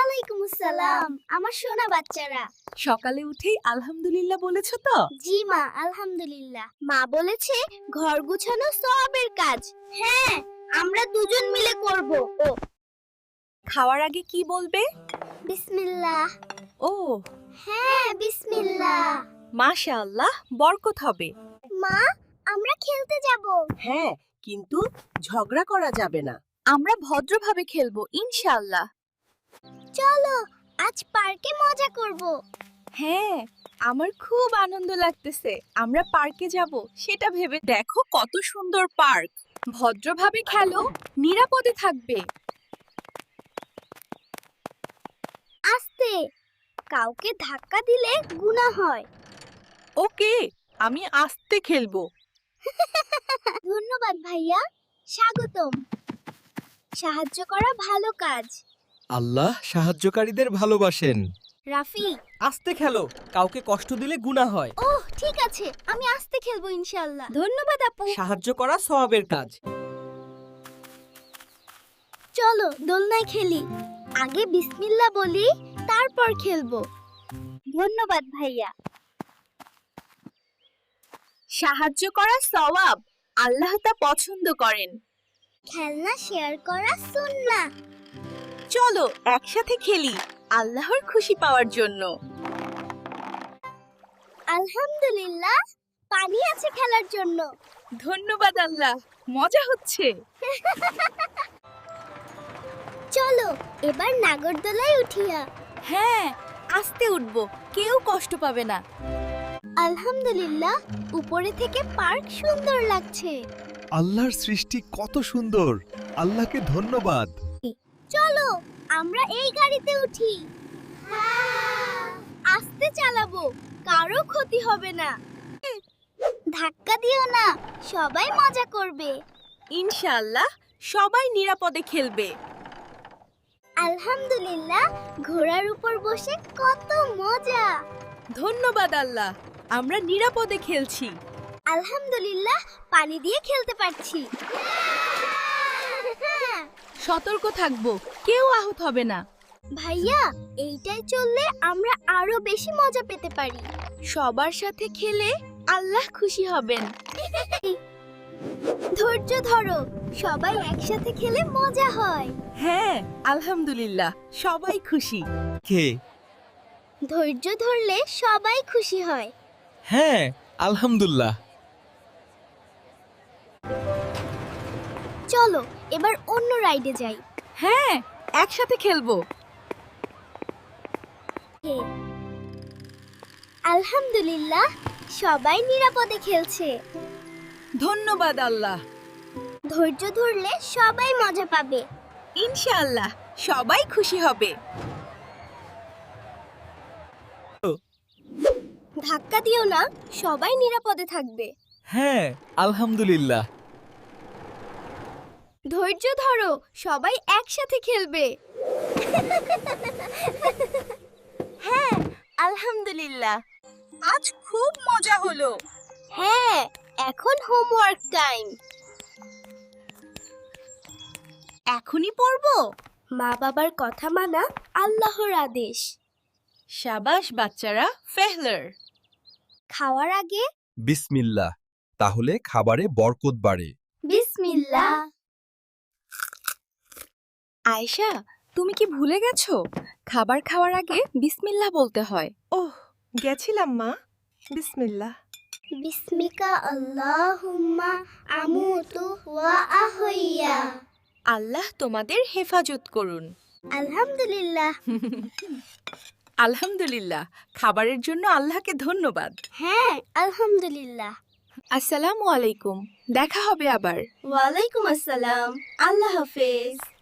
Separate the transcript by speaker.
Speaker 1: ওয়ালাইকুম আসসালাম আমার সোনা বাচ্চারা।
Speaker 2: সকালে উঠেই আলহামদুলিল্লাহ বলেছো তো?
Speaker 1: জি মা, আলহামদুলিল্লাহ। মা বলেছে ঘর গুছানো সওয়াবের কাজ। হ্যাঁ, আমরা দুজন মিলে করব। ও
Speaker 2: খাওয়ার আগে কি বলবে?
Speaker 1: বিসমিল্লাহ।
Speaker 2: ও
Speaker 1: হ্যাঁ, বিসমিল্লাহ।
Speaker 2: মাশাআল্লাহ, বরকত হবে।
Speaker 1: মা, আমরা খেলতে যাব।
Speaker 2: হ্যাঁ, কিন্তু ঝগড়া করা যাবে না। আমরা ভদ্রভাবে খেলবো ইনশাআল্লাহ।
Speaker 1: চলো, আজ পার্কে মজা করব।
Speaker 2: হ্যাঁ, আমার খুব আনন্দ লাগতেছে। আমরা পার্কে যাব সেটা ভেবে। দেখো কত সুন্দর পার্ক। ভদ্রভাবে খেলো, নিরাপদে থাকবে।
Speaker 1: আস্তে, কাউকে ধাক্কা দিলে গুনাহ হয়।
Speaker 2: ওকে, আমি আস্তে খেলবো।
Speaker 1: ধন্যবাদ ভাইয়া, স্বাগতম। সাহায্য করা ভালো কাজ।
Speaker 3: আল্লাহ সাহায্যকারীদের ভালোবাসেন।
Speaker 1: রাফি,
Speaker 3: আস্তে খেলো, কাউকে কষ্ট দিলে গুনাহ হয়।
Speaker 1: ওহ ঠিক আছে, আমি আস্তে খেলবো ইনশাআল্লাহ। ধন্যবাদ আপু।
Speaker 3: সাহায্য করা সওয়াবের কাজ।
Speaker 1: চলো দোলনায় খেলি। আগে বিসমিল্লাহ বলি, তারপর খেলবো। ধন্যবাদ ভাইয়া।
Speaker 2: সাহায্য করা সওয়াব, আল্লাহ তা পছন্দ করেন।
Speaker 1: খেলনা শেয়ার করা সুন্নাহ।
Speaker 2: চলো একসাথে খেলি আল্লাহর খুশি পাওয়ার জন্য।
Speaker 1: আলহামদুলিল্লাহ, পানি আছে খেলার জন্য।
Speaker 2: ধন্যবাদ আল্লাহ, মজা হচ্ছে।
Speaker 1: চলো এবার নাগরদোলায় উঠিয়া।
Speaker 2: হ্যাঁ, আস্তে উঠবো, কেউ কষ্ট পাবে না।
Speaker 1: আলহামদুলিল্লাহ, উপরে থেকে পার্ক সুন্দর লাগছে।
Speaker 4: আল্লাহর সৃষ্টি কত সুন্দর, আল্লাহকে ধন্যবাদ।
Speaker 1: চলো আমরা এই গাড়িতে উঠি। আস্তে চালাবো, কারো ক্ষতি হবে না। ধাক্কা দিও না, সবাই মজা করবে।
Speaker 2: ইনশাআল্লাহ সবাই নিরাপদে খেলবে।
Speaker 1: আলহামদুলিল্লাহ, ঘোড়ার উপর বসে কত মজা।
Speaker 2: ধন্যবাদ আল্লাহ, আমরা নিরাপদে খেলছি।
Speaker 1: আলহামদুলিল্লাহ, পানি দিয়ে খেলতে পারছি।
Speaker 2: সতর্ক থাকবো, কেউ আহত হবে না।
Speaker 1: ভাইয়া, এইটাই চললে আমরা আরো বেশি মজা পেতে পারি।
Speaker 2: সবার সাথে খেলে আল্লাহ খুশি হবেন।
Speaker 1: ধৈর্য ধরো, সবাই একসাথে খেলে মজা হয়।
Speaker 2: হ্যাঁ, আলহামদুলিল্লাহ সবাই খুশি।
Speaker 3: কে?
Speaker 1: ধৈর্য ধরলে সবাই খুশি হয়।
Speaker 3: হ্যাঁ, আলহামদুলিল্লাহ।
Speaker 1: চলো এবার অন্য রাইডে যাই।
Speaker 2: হ্যাঁ, একসাথে খেলবো।
Speaker 1: আলহামদুলিল্লাহ, সবাই নিরাপদে খেলছে।
Speaker 2: ধন্যবাদ আল্লাহ।
Speaker 1: ধৈর্য ধরলে সবাই মজা পাবে।
Speaker 2: ইনশাআল্লাহ সবাই খুশি হবে।
Speaker 1: ধাক্কা দিও না, সবাই নিরাপদে থাকবে।
Speaker 3: হ্যাঁ, আলহামদুলিল্লাহ।
Speaker 1: ধৈর্য ধরো, সবাই একসাথে খেলবে।
Speaker 2: হ্যাঁ, আলহামদুলিল্লাহ আজ খুব মজা হলো।
Speaker 1: হ্যাঁ, এখন হোমওয়ার্ক টাইম।
Speaker 2: এখনই পড়বো।
Speaker 1: মা বাবার কথা মানা আল্লাহর আদেশ।
Speaker 2: শাবাশ বাচ্চারা, ফেহলার।
Speaker 1: খাওয়ার আগে
Speaker 4: বিসমিল্লাহ, তাহলে খাবারে বরকত বাড়ে।
Speaker 1: বিসমিল্লাহ।
Speaker 2: আয়েশা, তুমি কি ভুলে গেছো? খাবার খাওয়ার আগে বিসমিল্লাহ বলতে হয়।
Speaker 5: ওহ, গেছিলাম মা। বিসমিল্লাহ।
Speaker 1: বিসমিকা আল্লাহুম্মা আমুতু ওয়া আহইয়া।
Speaker 2: আল্লাহ তোমাদের হেফাজত করুন।
Speaker 1: আলহামদুলিল্লাহ।
Speaker 2: আলহামদুলিল্লাহ, খাবারের জন্য আল্লাহকে ধন্যবাদ।
Speaker 1: হ্যাঁ, আলহামদুলিল্লাহ।
Speaker 2: আসসালামু আলাইকুম, দেখা হবে আবার।
Speaker 1: ওয়ালাইকুম আসসালাম। আল্লাহ হাফেজ।